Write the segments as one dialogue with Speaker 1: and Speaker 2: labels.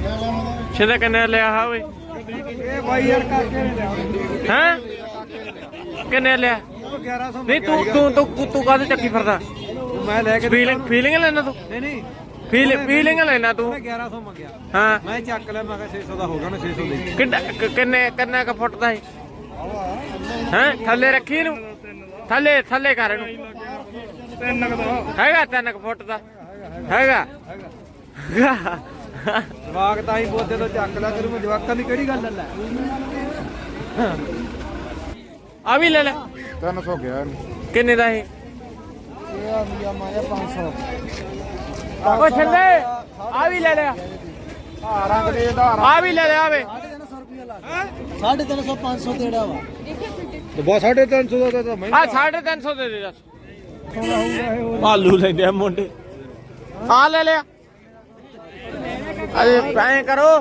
Speaker 1: ਛਿੰਦਾ ਕਿੰਨੇ ਲਿਆ ਹਾ ਓਏ
Speaker 2: ਇਹ ਬਾਈ ਯਾਰ ਕਰਕੇ
Speaker 1: ਹੈ ਕਿੰਨੇ ਲਿਆ
Speaker 2: 1100
Speaker 1: ਨਹੀਂ ਤੂੰ ਕਾਹਦੇ ਚੱਕੀ ਫਿਰਦਾ
Speaker 2: ਮੈਂ ਲੈ ਕੇ
Speaker 1: ਫੀਲਿੰਗ ਲੈਣਾ ਤੂੰ
Speaker 2: ਨਹੀਂ
Speaker 1: ਫੀਲਿੰਗ ਲੈਣਾ ਤੂੰ
Speaker 2: 1100 ਮੰਗਿਆ
Speaker 1: ਹਾਂ
Speaker 2: ਮੈਂ ਚੱਕ ਲਿਆ ਮੈਂ ਕਿਹਾ 600 ਦਾ ਹੋ ਗਿਆ ਨਾ 600 ਦੇ
Speaker 1: ਕਿੰਨੇ ਕ ਫੁੱਟ ਦਾ ਹੈ ਥੱਲੇ ਰੱਖੀ ਇਹਨੂੰ ਥੱਲੇ ਕਰ ਇਹਨੂੰ
Speaker 2: 3 ਦਾ
Speaker 1: ਹੈਗਾ 3 ਫੁੱਟ ਦਾ ਹੈਗਾ
Speaker 2: ਜਵਾਕ ਤਾਂ ਹੀ ਬੋਦੇ ਤੋਂ ਚੱਕ ਲਿਆ ਕਰੂ ਮੈਂ ਜਵਾਕਾਂ ਦੀ ਕਿਹੜੀ ਗੱਲ ਲੈ
Speaker 1: ਆ ਵੀ ਲੈ ਲੈ
Speaker 2: 300 ਗਿਆ
Speaker 1: ਕਿੰਨੇ ਦਾ ਇਹ
Speaker 2: ਆ ਮੀਆਂ ਮਾਇਆ 500
Speaker 1: ਓ ਛੱਲੇ ਆ ਵੀ ਲੈ ਲਿਆ
Speaker 2: ਆ ਰੰਗ ਦੇ ਆਧਾਰ
Speaker 1: ਆ ਵੀ ਲੈ ਲਿਆ ਵੇ
Speaker 2: 350 500 ਦੇੜਾ ਵਾ ਤੇ ਬਸ 350 ਦਾ ਤਾਂ ਮੈਂ
Speaker 1: ਆ 350 ਦੇ ਦੇ ਦੱਸ ਆਲੂ ਲੈਂਦੇ ਆ ਮੁੰਡੇ ਆ ਲੈ ਲਿਆ ਅਰੇ ਐਂ ਕਰੋ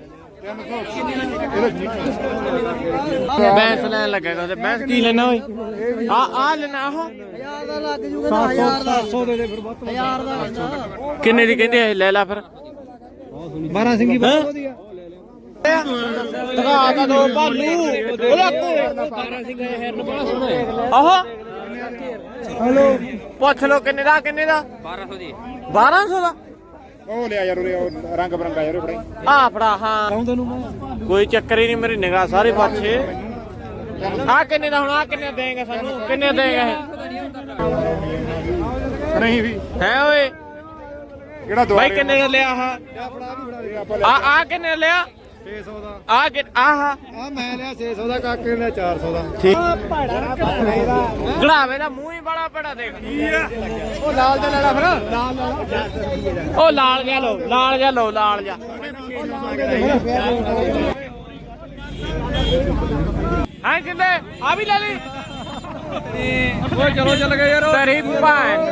Speaker 1: ਬੈਂਸ ਲੈਣ ਲੱਗੇਗਾ ਤੇ ਬੈਂਸ ਕੀ ਲੈਣਾ ਓਏ ਆ ਲੈਣਾ ਆਹੋ
Speaker 2: 1000 ਦਾ ਲੱਗ ਜੂਗਾ ਨਾ 1000 ਦਾ 700 ਦੇ ਦੇ ਫਿਰ 1000 ਦਾ ਲੈਂਦਾ
Speaker 1: ਕਿੰਨੇ ਦੀ ਕਹਿੰਦੇ ਆ ਲੈ ਲੈ ਫਿਰ
Speaker 2: 12 ਸਿੰਘੀ ਬਹੁਤ ਵਧੀਆ
Speaker 1: ਦਿਖਾ ਤਾ ਦੋ ਭਾਲੂ ਉਹਦਾ 12 ਸਿੰਘ ਹੈਰ ਨੂੰ ਬੜਾ ਸੋਹਣਾ ਆਹੋ
Speaker 2: ਹਲੋ
Speaker 1: ਪੁੱਛ ਲੋ ਕਿੰਨੇ ਦਾ 1200 ਦੀ 1200 ਦਾ
Speaker 2: ਉਹ ਲਿਆ ਯਾਰ ਉਹ ਰੰਗ ਬਰੰਗਾ ਯਾਰ ਫੜਾਈ
Speaker 1: ਆ ਫੜਾ ਹਾਂ
Speaker 2: ਆਉਂਦਾ ਨੂੰ ਮੈਂ
Speaker 1: ਕੋਈ ਚੱਕਰ ਹੀ ਨਹੀਂ ਮੇਰੀ ਨਿਗਾਹ ਸਾਰੇ ਪਾਸੇ ਆ ਕਿੰਨੇ ਦਾ ਹੁਣ ਆ ਕਿੰਨੇ ਦੇਂਗੇ ਸਾਨੂੰ ਕਿੰਨੇ ਦੇਂਗੇ
Speaker 2: ਨਹੀਂ ਵੀ
Speaker 1: ਹੈ ਓਏ
Speaker 2: ਕਿਹੜਾ
Speaker 1: ਬਾਈ ਕਿੰਨੇ ਦਾ ਲਿਆ ਆ ਕਿੰਨੇ ਦਾ ਲਿਆ
Speaker 2: 600 ਦਾ
Speaker 1: ਆਹ
Speaker 2: ਆ ਮੈਂ ਲਿਆ 600 ਦਾ ਕਾਕੇ ਨੇ 400 ਦਾ
Speaker 1: ਗੜਾਵੇ ਦਾ ਮੂੰਹ ਹੀ ਬੜਾ ਪੜਾ ਦੇਖ
Speaker 2: ਉਹ ਲਾਲ ਦਾ ਲੈਣਾ ਫਿਰ ਲਾਲ
Speaker 1: ਉਹ ਲਾਲ ਜਾ ਲੋ ਲਾਲ ਜਾ ਹਾਂ ਕਿੰਦੇ ਆ ਵੀ ਲੈ ਲਈ
Speaker 2: ਓਏ ਚਲੋ ਚੱਲ ਗਏ ਯਾਰ
Speaker 1: ਤੇਰੀ ਭੈਣ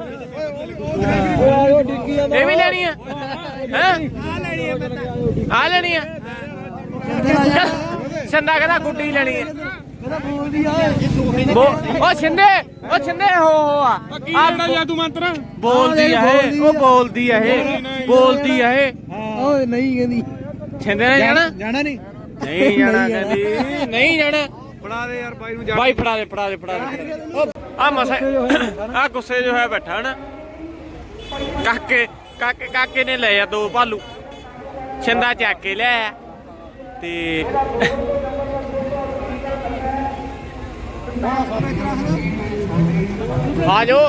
Speaker 2: ਉਹ ਡਿੱਗੀ ਆ
Speaker 1: ਇਹ ਵੀ ਲੈਣੀ ਆ ਹੈ ਆ ਲੈਣੀ ਆ ਛੰਦਾ ਕਹਿੰਦਾ ਗੁੱਡੀ ਲੈਣੀ ਆ
Speaker 2: ਮੇਰਾ ਬੋਲਦੀ ਆ
Speaker 1: ਉਹ ਛਿੰਦੇ ਹੋ ਆ
Speaker 2: ਤੂੰ ਮੰਤਰ
Speaker 1: ਬੋਲਦੀ ਆ ਇਹ ਉਹ ਬੋਲਦੀ ਆ ਇਹ
Speaker 2: ਓਏ ਨਹੀਂ ਕਹਿੰਦੀ
Speaker 1: ਛਿੰਦੇ ਨੇ
Speaker 2: ਜਾਣਾ ਨਹੀਂ
Speaker 1: ਨਹੀਂ ਜਾਣਾ ਕਹਿੰਦੀ ਨਹੀਂ ਜਾਣਾ
Speaker 2: ਬਣਾ ਦੇ ਯਾਰ ਬਾਈ ਨੂੰ
Speaker 1: ਬਾਈ ਫੜਾ ਦੇ ਆ ਮਸਾ ਆ ਗੁੱਸੇ ਜੋ ਹੈ ਬੈਠਾ ਨਾ ਕਾਕੇ ਨੇ ਲਏ ਆ ਦੋ ਭਾਲੂ ਛਿੰਦਾ ਚੱਕ ਕੇ ਲਿਆ ਤੇ ਆ ਜਾਓ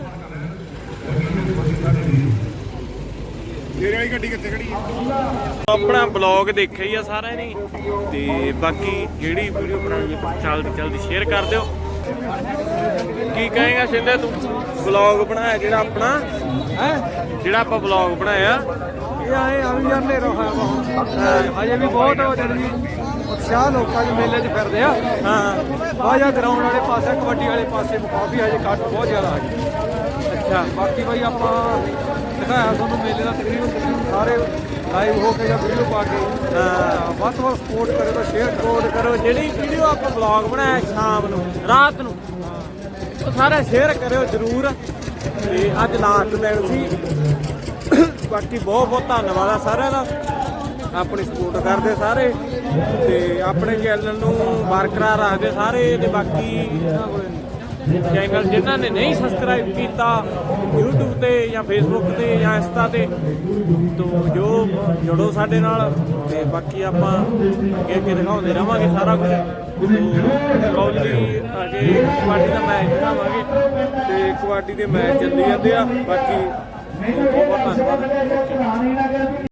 Speaker 2: ਤੇਰੇ ਵਾਲੀ ਗੱਡੀ ਕਿੱਥੇ ਖੜੀ ਹੈ
Speaker 1: ਆਪਣਾ ਬਲੌਗ ਦੇਖਿਆ ਹੀ ਆ ਸਾਰਿਆਂ ਨੇ ਤੇ ਬਾਕੀ ਜਿਹੜੀ ਵੀਡੀਓ ਬਣਾਉਣੀ ਜਲਦੀ ਸ਼ੇਅਰ ਕਰ ਦਿਓ ਕੀ ਕਹੇਗਾ ਸਿੰਧੇ ਤੂੰ ਬਲੌਗ ਬਣਾਇਆ ਜਿਹੜਾ ਆਪਣਾ ਜਿਹੜਾ ਆਪਾਂ ਬਲੌਗ ਬਣਾਇਆ
Speaker 2: ਇਹ ਆਏ ਆ ਵੀ ਯਾਰ ਨੇਰੋ ਹੋਇਆ ਹਜੇ ਵੀ ਬਹੁਤ ਹੋ ਜਣੀ ਉਤਸ਼ਾਹ ਲੋਕਾਂ ਦੇ ਮੇਲੇ 'ਚ ਫਿਰਦੇ ਆ
Speaker 1: ਹਾਂ
Speaker 2: ਬਾਜਾ ਗਰਾਊਂਡ ਵਾਲੇ ਪਾਸੇ ਕਬੱਡੀ ਵਾਲੇ ਪਾਸੇ ਕਾਫੀ ਹਜੇ ਘੱਟ ਬਹੁਤ ਜ਼ਿਆਦਾ ਆ ਗਈ
Speaker 1: ਅੱਛਾ
Speaker 2: ਬਾਕੀ ਬਾਈ ਆਪਾਂ ਦਿਖਾਇਆ ਤੁਹਾਨੂੰ ਮੇਲੇ ਦਾ ਤਕਰੀਬਨ ਸਾਰੇ ਲਾਈਵ ਹੋ ਕੇ ਜਾਂ ਵੀਡੀਓ ਪਾ ਕੇ ਵੱਧ ਤੋਂ ਵੱਧ ਸਪੋਰਟ ਕਰਿਓ ਤਾਂ ਸ਼ੇਅਰ
Speaker 1: ਕਰੋ ਜਿਹੜੀ ਵੀਡੀਓ ਆਪਾਂ ਬਲੌਗ ਬਣਾਇਆ ਸ਼ਾਮ ਨੂੰ ਰਾਤ ਨੂੰ ਉਹ ਸਾਰਾ ਸ਼ੇਅਰ ਕਰਿਓ ਜਰੂਰ ਤੇ ਅੱਜ ਲਾਸਟ ਦਿਨ ਸੀ ਬਾਕੀ ਬਹੁਤ ਧੰਨਵਾਦ ਆ ਸਾਰਿਆਂ ਦਾ ਆਪਣੀ ਸਪੋਰਟ ਕਰਦੇ ਸਾਰੇ ਤੇ ਆਪਣੇ ਚੈਨਲ ਨੂੰ ਬਰਕਰਾਰ ਰੱਖਦੇ ਸਾਰੇ ਤੇ ਬਾਕੀ ਚੈਨਲ ਜਿਨ੍ਹਾਂ ਨੇ ਨਹੀਂ ਸਬਸਕ੍ਰਾਈਬ ਕੀਤਾ YouTube ਤੇ ਜਾਂ Facebook ਤੇ ਜਾਂ ਇੰਸਟਾ ਤੇ ਤੋਂ ਜੁੜੋ ਸਾਡੇ ਨਾਲ ਤੇ ਬਾਕੀ ਆਪਾਂ ਅੱਗੇ ਦਿਖਾਉਂਦੇ ਰਵਾਂਗੇ ਸਾਰਾ ਕੁਝ ਕਬੱਡੀ ਅਜੇ ਕਬੱਡੀ ਦਾ ਮੈਚ ਦਿਖਾਵਾਂਗੇ ਤੇ ਕਬੱਡੀ ਦੇ ਮੈਚ ਚੱਲੀ ਜਾਂਦੇ ਆ ਬਾਕੀ ਬਹੁਤ ਧੰਨਵਾਦ।